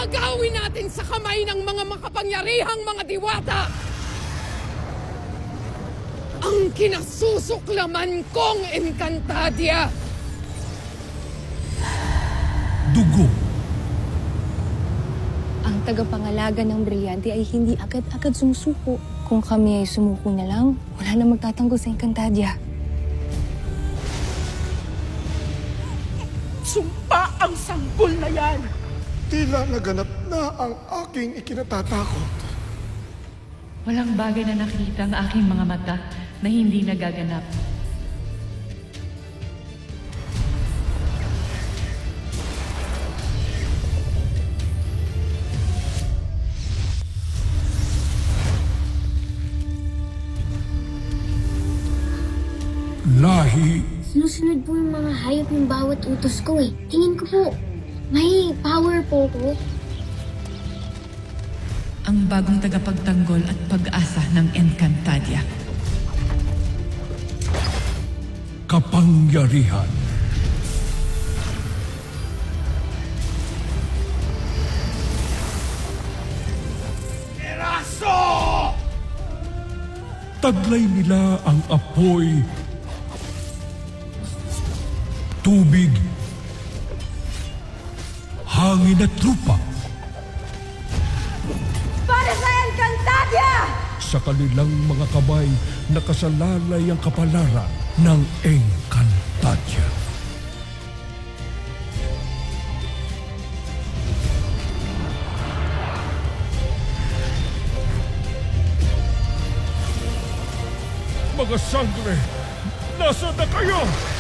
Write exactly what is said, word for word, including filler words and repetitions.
Agawin natin sa kamay ng mga makapangyarihang mga diwata ang kinasusuklaman kong Encantadia. Dugo. Ang tagapangalaga ng Brilyante ay hindi agad-agad sumusuko. Kung kami ay sumuko na lang, wala na magtatanggol sa Encantadia. Sumpa ang sanggol na yan! Tila naganap na ang aking ikinatatakot. Walang bagay na nakikita ang aking mga mata na hindi nagaganap. Lahi. Sinusunod po yung mga hayop yung bawat utos ko eh. Tingin ko po, may power po ko. Ang bagong tagapagtanggol at pag-asa ng Encantadia. Kapangyarihan. Eraso! Taglay nila ang apoy, tubig, hangin at lupa. Para sa Encantadia! Sa kanilang mga kamay, nakasalalay ang kapalaran ng Encantadia. Mga sangre, nasa na kayo?